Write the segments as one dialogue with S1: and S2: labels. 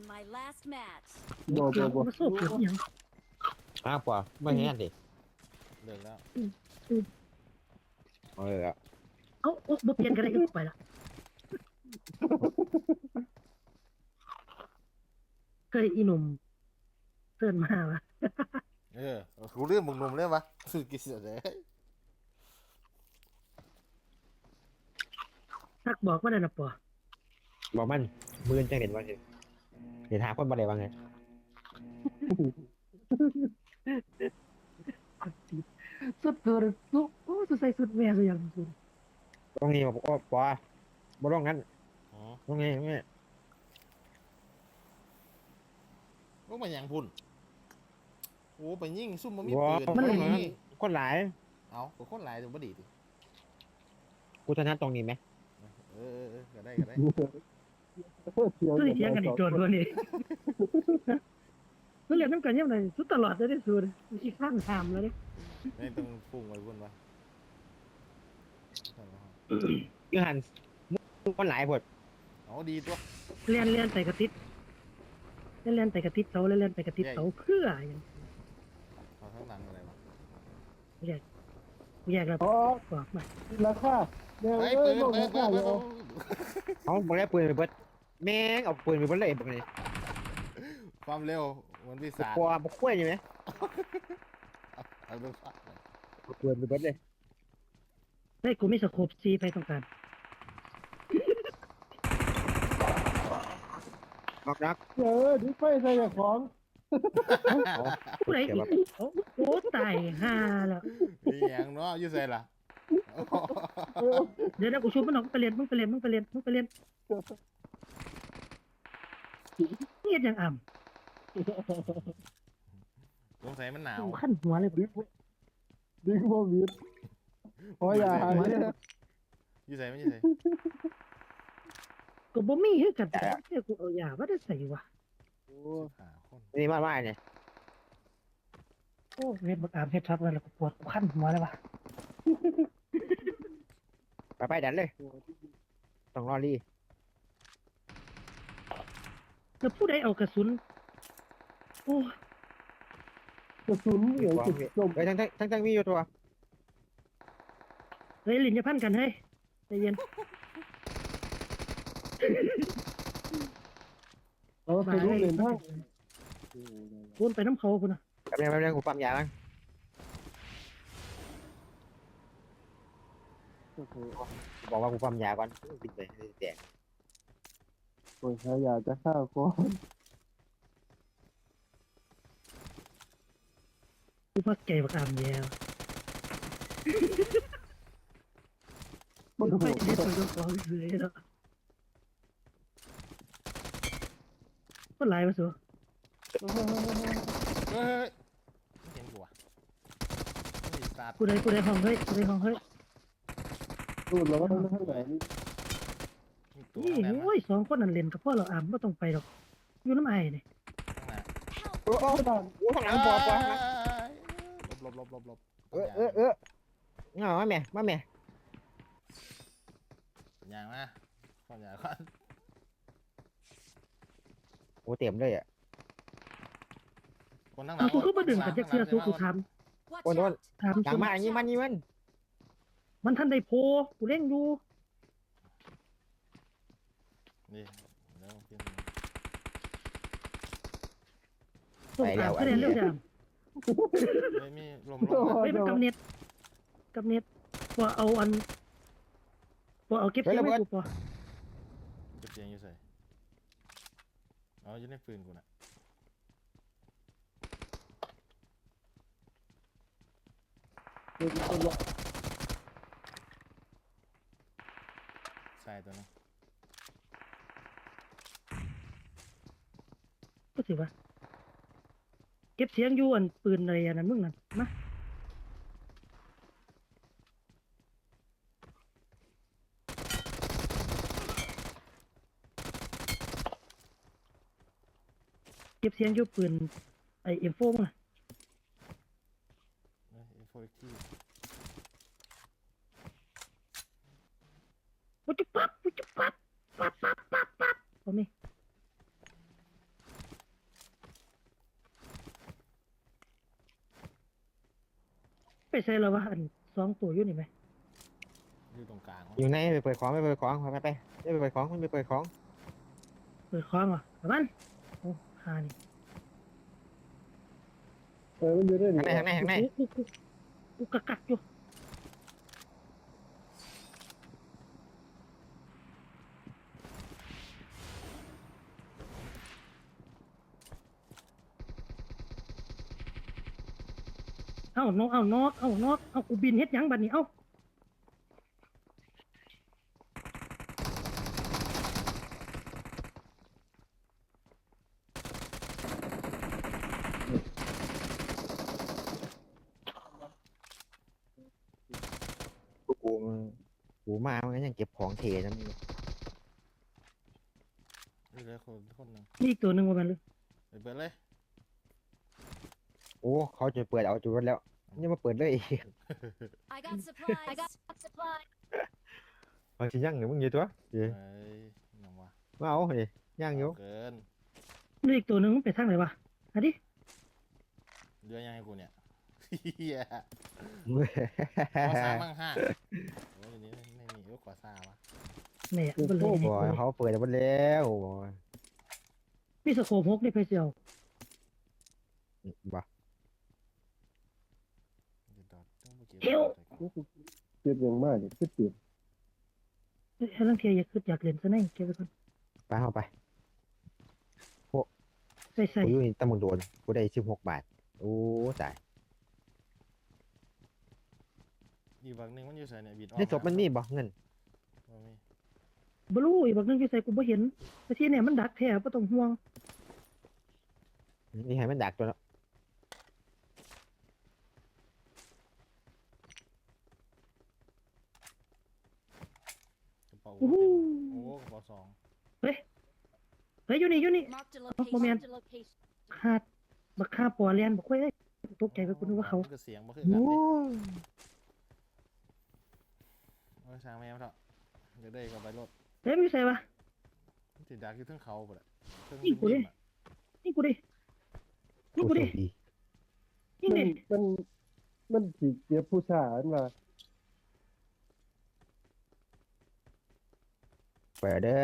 S1: my last match.
S2: บ่บ่บ่
S3: มาโซ่เปลี่ยนยัง
S4: อ้าวกว่าไม่เห็นดิ
S5: เลิกแล้ว
S4: เออ
S3: เอ้าบ่เปลี่ยนกันได้ก็ไปละเคยอีหนุ่มเตือนมาวะ
S5: กูเรื่องมึงหนุ่มเลยวะสุดกิเสียเลย
S3: ทักบอกว่าได้นะปอ
S4: บอกมันมือจังเห็นว่าเห็นหาคนบ่ได้ว่าไง
S3: สุดเธอเลยโอ้สุดใส่สุดแม่สุดอย่างสุด
S4: ตรงนี้บอกว่าปอบ่ต้องงั้น
S5: อ๋อ
S4: ตรงนี้ตรงนี้
S5: ลูกมันยังพุ่นโอ้ไปยิงซุ่มมันมี
S4: ว้า
S5: ปืน
S4: มัน
S5: มันมี
S4: คนหลาย
S5: เอาก็คนหลายถึงบ่ดีดิ
S4: กูชนะตรงนี้ไหม
S5: ก็ได้ก็ได้
S3: สุดเถียงกันอีกโจทย์วันนี้สุดเรียนน้ำกันยังไงสุดตลอดได้สุดมีข้างถามแล้วเนี่ย
S5: ไม่ต้องพุ่งไปพุ่นวะ
S4: ยูหันคนหลายพด
S5: เอาดีตัว
S3: เรียนไปกระติดเรียนไปกระติดเสาเรียนไปกระติดเสาเพื่ออย่าง
S5: เอาข้างหลังอะไรวะ
S3: แยกแล้ว
S2: อ๋อ
S3: บอกมา
S2: ราคาเดี๋ยว
S5: เฮ้ย
S2: เอ้
S5: ปื
S2: ย
S5: น
S2: บ่
S5: ปื
S2: ราน
S5: ปื
S2: คาน
S5: ปื
S2: เดี๋
S5: น
S2: ยว
S4: เขาบอกได้ปืนไปเบิดแม่งเอาปืนไปเบิดเลยบอกเลย
S5: ความเร็วมันพิศาจ
S4: กลัวบ่คุ้ยใช่ไหม
S5: เอาดูฟัก
S4: เอาปืนไปเบิดเลย
S3: เฮ้ยกูไม่สโคปซีไปต้องการ
S4: บอกรัก
S2: เดี๋ยวดิไฟใส่เจ้าของ
S3: ผู้ใดอีกโอ้ตายห่าแล้ว
S5: อีหยังเนาะอยู่ใส่ล่ะ
S3: เดี๋ยวนะกูชุบมันออกไปเรียนมึงไปเรียนเงียบอย่างอ่
S5: สงสัยมันหนาว
S3: ำกูขั้นหัวเลย
S2: ดิบ่มีพออย่าหาเนี่ย
S5: อยู่ใส่มันอยู่ใส่
S3: กูบ่มีให้กันแต่เนี่ยกูเอายาว่าได้ใส่วะ
S5: หาคน
S4: นี่มาว่าเนี่ย
S3: โอ้เฮ็ดบักอามเฮ็ดทับแล้วกูปวดกูขั้นหัวเลยวะ
S4: ไปดันเลยต้องรอรี
S3: แล้วผู้ใดเอากระสุนโอ้
S2: กระสุนเหลือจุดจม
S4: เฮ้ยทั้งมีอยู่ตัว
S3: เฮ้ยลิ้นจะพันกันเฮ้ยใจเย็น
S2: เอาไปรู้เรียนทาง
S3: วนไปน้ำเขาพุ่นน่ะ
S4: แป๊บนึงกูปั๊มยาบ้างบอกว่ากูปั๊มยาก่อนบินไปแตก
S2: โอ้ยใครอยากจะฆ่าคน
S3: กูพักใจบักอามแย่ว
S2: มัน
S3: ไป
S2: โหด
S3: เด็ดตัวของเสือแล้วก็หลายมาสัว
S5: เฮ้ยไม่เห็นกูอ่ะไม่สาด
S3: ผู้ใดห้องเฮ้ยผู้ใดห้องเฮ้ย
S2: รูดแล้วว่าต้องทางไหนนี่
S5: ตัว
S3: นี่
S5: นั่นนะ
S3: โอ้ยสองคนนั่นเล่นกับพ่อเราอามไม่ต้องไปหรอกอยู่น้ำไอ้นี่
S5: ข้างหน้า
S4: โอ้โหข้างหลังปอ
S5: หลบ
S4: เงามาแม่
S5: อย่างนะก่อนอย่างก่อน
S4: โอ้เต็มเลยอ่ะ
S5: คนทั้งหลั
S3: เอา
S5: ง
S3: กูก็มาดึงกับเจ้าเสือสู้กูท
S1: Watch
S4: Ôi,
S1: out!
S3: ำ
S4: ดังมากอย่างนี้มัน
S3: มันทันได้โพกูเล่นอยู่
S5: นี่แล้วขึ้น
S3: ส่งตามก็เล่นเร็วจัง
S5: ไม่มีลม
S3: เฮ้ยมันกับเน็ตว่าเอาอันว่าเอาเก็บเสียงไว้กูปะ
S5: จะเสียงอยู่ใส่อ๋ออยู่ในปืนกูน่ะใส่ตัวนึง
S3: ก็ถือว่าเก็บเสียงอยู่อันปืนอะไรอันนั้นมึงนั่นมาเก็บเสียงอยู่ปืนไอเอ็มโฟมึงน่ะ
S5: โฟร์ที่
S3: ปุ๊บปั๊บเอาไหมใส่แล้ววะอัน2ตัวอยู่นี่ไหม
S5: อยู่ตรงกลางวะ
S4: อยู่ในไปเปิดของไปเปิดของไปไปเปิดของมันไปเปิดของ
S3: เปิดคล้องเหรอประมันโอ้หานี่
S2: มันอยู่ได้หนิ
S4: ข้างใน
S3: กูกักอยู่เอานกเอากูบินเฮ็ดหยังบัดนี้เอ้า
S4: กูมามันยังเก็บของเทนั่น
S5: อยู่เลยคนหนึ่ง
S3: นี่อีกตัวหนึ่งว่ามันเลย
S5: ไปเปิดเลย
S4: โอ้เขาจะเปิดเอาจุดแล้วยังมาเปิดเลย
S1: I got supplies. I got supplies.
S4: มันสิยังหรือมึงอยู่ตัวเดี๋ยว
S5: เฮ้ยน้องวะ
S4: มาเอาเฮ้ยย่างอยู่
S5: เกิน
S3: นี่อีกตัวหนึ่งมันไปทางไหนวะอันนี้
S5: เรือยังให้กูเนี่ยเฮียขอซ่ามั่งห้าโอ้ยนี่ไม่มีขอซ่าวะ
S3: แหม่มันเลย
S4: บ่เขาเปิดหมดแล้ว
S3: มีสโคป6นี่ไปเสียว
S4: บ่
S3: เฮ้ว
S2: เจ็บอย่างมากเนี่ยเจ็บ
S3: เฮ้ยลังเทียอยากเล่นซะแน่เก็บไว้ก่อน
S4: ไปเอาไป
S3: ใส่
S4: กูอยู่ในตำบลโดนกูได้16 บาทโอ้ตาย
S5: อีกฝั่งหนึงมันอยู่ใส่เนี่ยบิดออก
S4: ในศพมันมีบ่เงิน
S5: บ่มี
S3: บลูอีกบักนึงอยู่ใส่กูบ่เห็นแต่ที่เนี่ยมันดักแท้บ่ต้องห่วง
S4: นี่ให้มันดักตัวแล้ว
S5: กระเป๋า
S3: โอ้โห
S5: โอ้กระเป๋าสอง
S3: เฮ้ยอยู่นี่
S1: Marked a
S3: Oh,
S1: location.
S3: man.
S1: Marked a location.
S3: คาดบักคาปอเลียนบักเว้ยตกใจไปกูนึกว่าเขา
S5: ก็เสียงบ่คือกัน
S4: โอ้
S5: เด้โอ้ยช่างแม่งเถอะเดี๋ยวได้ก็ไปรถ
S3: เฮ้ยมันอยู่ใส่วะ
S5: มันติดดักอยู่เทั้งเขาไปเลยเทั้ง
S3: นี่กูดิ
S5: ริมอะ
S3: นี่กูดินี่กูดิ
S4: ดี
S3: นี่ดิ
S2: มันถีเจ็บผู้ชายมา
S4: เปิดเด้อ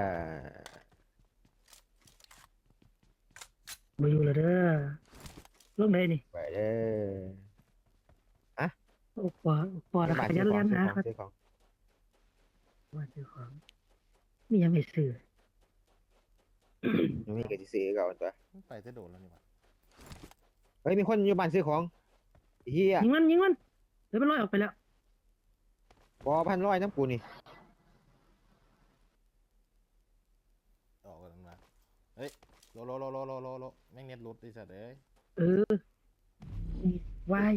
S3: มาอยู่แล้วเด้อลงไหนนี่
S4: เปิดเด้อ
S3: โอ้ปอแล้วขยันเลียนนะครับ
S4: ซื้อของ
S3: ว่าซื้อของมียังไม่ซื้อ
S4: ยังมีกระดิซื้อเก่าตัว
S5: มันไปจะโดดแล้วนี่วะ
S4: เฮ้ยมีคนอยู่บ้านซื้อของเฮีย
S3: ยิงมันเดี๋ยวมันลอยออกไปแล้ว
S4: บอ1,100น้ำกูนี่
S5: ออกกันมาเฮ้ยโลแม่งเน็ตหลุดไอ้สัตว์เอ้ย
S3: เออวาย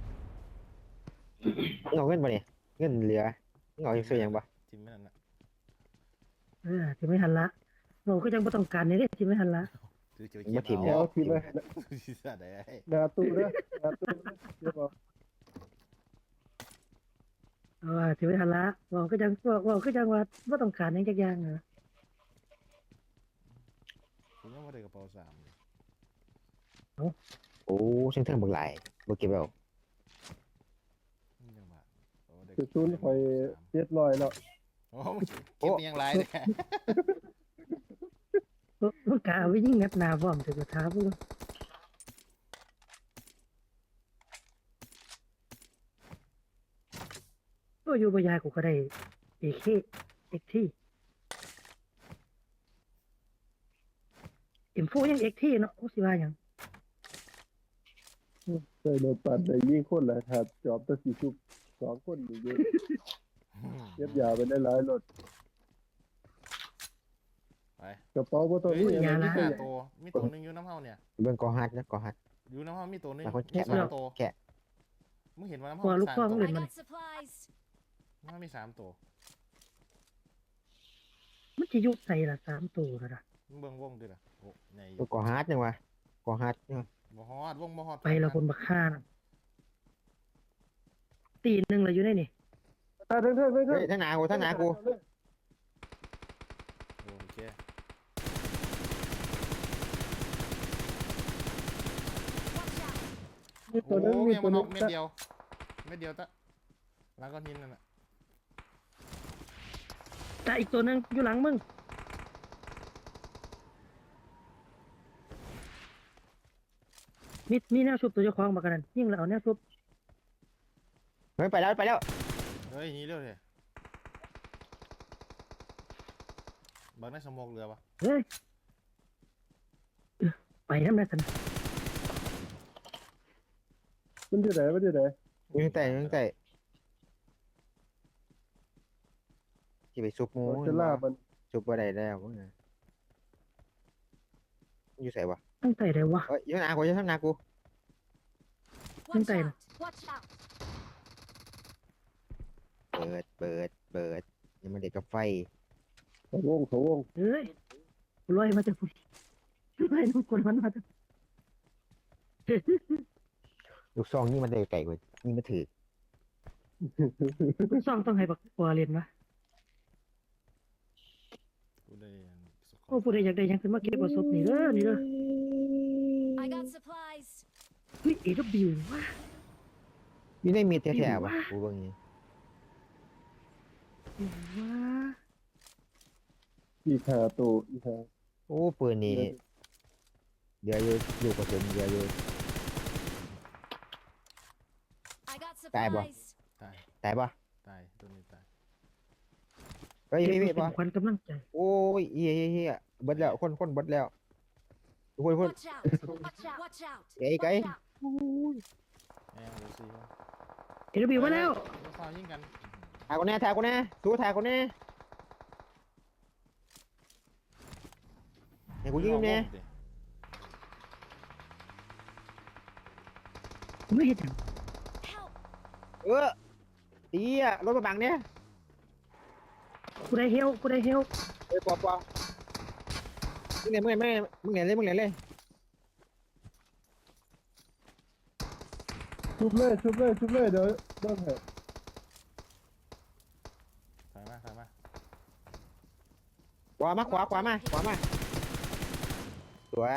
S4: มึงเอาเงินบ่เนี่ยเงินเหลือมึงเอาซื้อหยังบ่
S5: จิ้มไม่นั่นน่ะ
S3: ที่ไม่ทันละเราก็ยังไม่ต้องการในเรื่องที่ไม่ทันละ
S5: ถือเจียว
S4: มาถิ่ม
S5: เขี
S4: แล้
S5: ยว ว
S2: เอาทีเลย
S5: ไอ้สัตว์เอ้ย
S2: นาตู้เด้อนาตู้เรียบร้อย
S3: ที่ไม่ทันละเราก็ยังว่าไม่ต้องการในจักอย่างนะ
S5: ผมยังไม่ได้กระเป๋าสามเลย
S4: โอ้เชิงบักหลายบ่เก็บเอา
S5: นี่จังหวะโอ้ได้
S2: คือซุนคอย700แล้ว
S5: โอ้เก็บไปยังไรเลย
S3: ก็กะเอาไว้ยิ่งนับนาบ่อมถึงกระทาพูดก็อยู่บยากูก็ได้เอกที่เอ็มโฟยังเอกที่เนาะโอ้สิว่าหยัง
S2: เคยโดนปัดได้ยิงคนละถ้าจอบตะสิชุบ2คนอยู่เยอะเก็บยาไปได้หลายรถ
S5: ไป
S2: กระเป๋าบ่ต้อง
S5: เฮ้ย
S2: มีอะไร
S5: มี
S2: มี
S5: ห้า
S2: แต่
S5: ตัวมีตัวหนึงอยู่น้ำเฮาเนี่ย
S4: เบิ่งกอฮัดนะกอฮัด
S5: อยู่น้ำเฮามีตัวหนึง
S4: แต่คน
S5: มี
S4: แกะ
S5: สามตัว
S4: แกะ
S5: มึงเห็นว่าน้ำ
S3: กว่า
S5: เฮา
S3: ลูก
S5: สาม
S3: พ่อ
S5: ตั
S3: มึ
S5: ว
S3: งเล่น
S1: I
S3: มัน
S1: got supplies.
S5: น้ำเฮามีสามตัว
S3: มันจะยุบใส่ละ3 ตัวแล้วนะ
S5: มึงเบิ่งวงดิล่ะโอ้ใหญ่
S4: ตัวกอฮัดยังวะกอฮัดเนี่ย
S5: บ่ฮอดวงบ่ฮอด
S3: ไปแล้วคนบักฆ่านะตีหนึ่งเลยอยู่ได้นี่
S2: เทิง
S4: เฮ้ยทั้งหนากูทั้งหนากู
S5: โอเค
S1: Watch out.
S2: มี
S5: โอ้
S2: ตัวนึงมี
S5: ยัง
S2: ตัว
S5: มันอ
S2: นึ
S5: อง กเม็ดเดียวไม่เดียวตะหลังก้อนหินนั่นน่ะ
S3: แต่อีกตัวหนึงอยู่หลังมึงมีแนวชุบตัวเจ้าของบักกันนั่นยิ่งแล้วเอาแนวชุบ
S4: เฮ้ยไปแล้วไปแล้ว
S5: เฮ้ยหนี่เร็วเลยบังได้สมองเรือปะ
S3: เฮ้ยไปน้ำได้สัน
S2: มันอยู่ไหนมันอยู่ไหน
S4: ยิงแต่ที่ไปซุปหมู
S2: เราจะล่ามัน
S4: ซุปอะไรแล้วมึงอะอยู่ใส่วะ
S3: ตั้งใจเลยวะ
S4: เฮ้ยอยู่หน้ากูอยู่ข้างหน้ากู
S1: Watch
S3: tay
S1: out! Watch out!
S4: เปิดยังไม่เด็กกับไฟ
S2: เขาวง
S3: เฮ้ยลอยมาจากฝุ่นลอยน้ำกลมันมาจาก
S4: ลูกซองนี่มันได้ไก่กว่านี่มันถือ
S3: คุณซ่องต้องให้บักปัวเรียนวะ
S5: กูได้สก
S3: โอ้ผู้ใดอยากได้หยังขึ้นมาเก็บเอาศพนี่เด้อนี่เด้อ
S1: I got supplies.
S3: เฮ้ยเอวบิววะ
S4: มีได้มีแท้ๆวะกูเบิ่งนี่
S3: ว้า
S2: อีกหาตัวอีกหา
S4: โอ้ปืนนี่เดี๋ยวอยู่กระสุนเดี๋ยวอยู่
S1: I got
S4: Tay bò.
S1: supplies.
S5: ตาย
S4: ตายปะ
S5: ตายตัวนี้ตาย
S4: เฮ้ย
S3: เก็บ
S4: พี่
S3: ไว้เป็
S4: ปะ
S3: นขวัญกำลังใจ
S4: โอ้ยเฮียเบิดแล้วคนเบิดแล้วคน
S1: Watch out! Watch out! Watch out!
S4: ไก่
S1: Watch out!
S5: แม่งเดี๋ยวสิวะ
S3: เอวบิวมาแล้ว
S5: เดี๋ยวข้าวยิงกัน
S4: ถ่ายคนแน่สู้ถ่ายคนแน่ให้กูยิงแน่
S3: กูไม่เห็นหยัง
S1: Help!
S4: ตีอะรถมาบังเนี่ย
S3: กูได้เฮลกูได้เฮล
S4: ปอมึงเนี่ยเลย
S2: ชุบเลยเดี๋ยวเริ่มให้
S5: ถอยมา
S4: ขวามาสวย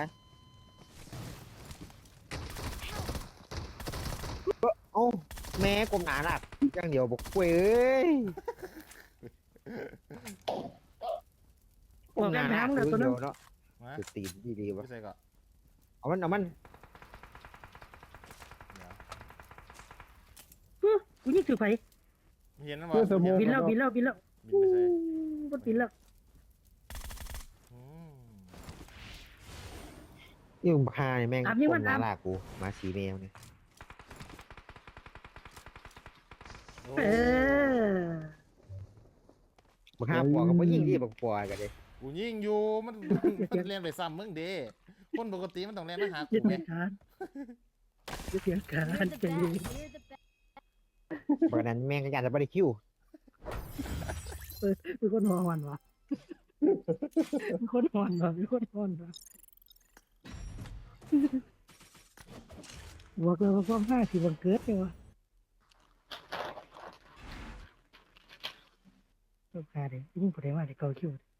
S4: เอ้าแม่กลมหนาหนักอย่างเดียวบอกเว้ย
S3: ออกแรงน้ำเลยตัวนั้น
S4: เนาะ
S5: มา
S4: สุดตีนดีๆวะ
S5: พี่ใส่ก่อน
S4: เอามัน
S5: เดี๋ยว
S3: กูยิงถือไฟ
S5: เห็นนะ
S2: เพื่อสมอง
S3: บินแล้ว
S5: บินไปใส่
S3: บนบินแล้ว
S5: อืม
S4: นี่มึงพาเนี่ยแม่งกลมหนาลากกูมาสีแมวเนี่ย
S5: โอ้
S3: เออ
S4: มึงห้าปอกับมึงยิงดีบักปอกันเลย
S5: กูยิงอยู่มันเล่นไปซ้ำมึงเด้คนปกติมันต้องเล่นมาหา
S3: ยึ
S5: กู
S3: ด
S5: ไง
S3: การยึดเสียงการ
S1: You're the
S3: ใจ
S1: best.
S3: เย็น
S1: You're the best.
S4: เพราะนั้นแม่งก็อยากจะบริคิว
S3: มีคนหอนวะมีคนหอนวะบอกเลยว่าความห้าสิบังเกิดเลยวะต้องหาเดี๋ยวยิ่งผู้ใดมาเดี๋ยวเกาคิว